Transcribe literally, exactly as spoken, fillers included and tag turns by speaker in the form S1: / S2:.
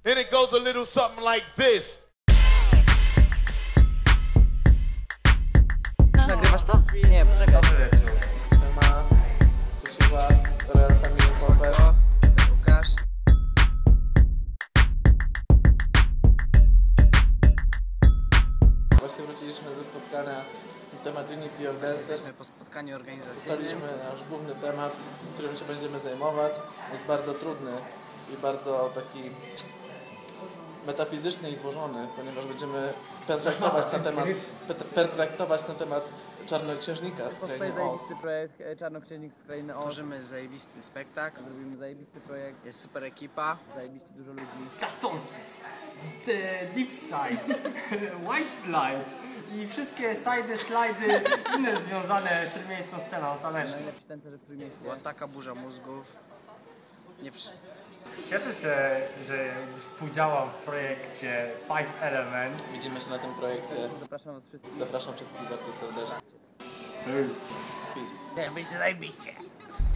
S1: And it goes a little something like this.
S2: Nagrywasz to? Nie, poczekaj.
S3: Siema, tu Siwa, Royal Family Popper.
S2: O, Łukasz.
S3: Właśnie wróciliśmy ze spotkania na temat Unity of Dancers.
S2: Jesteśmy po spotkaniu organizacyjnym.
S3: Ustaliliśmy nasz główny temat, którym się będziemy zajmować. Jest bardzo trudny i bardzo taki metafizyczny i złożony, ponieważ będziemy pertraktować na temat, pertraktować na temat Czarnoksiężnika z
S4: Powstaje
S3: krainy Oz.
S4: zajebisty projekt e, Czarnoksiężnik z krainy Oz.
S2: Tworzymy zajebisty spektakl.
S4: Robimy zajebisty projekt,
S2: Jest super ekipa.
S4: zajebiście dużo ludzi.
S5: Tasonkic, the deep side, white slide i wszystkie side, slajdy inne związane trójmiejską sceną taneczną.
S4: Najlepsi tancerze w Trójmieście.
S2: Była taka burza mózgów. Nie przy...
S5: Cieszę się, że współdziałam w projekcie Five Elements.
S3: Widzimy się na tym projekcie.
S4: Zapraszam was wszystkich.
S3: Zapraszam wszystkich bardzo serdecznie. Peace.
S2: Będzie zajebiście.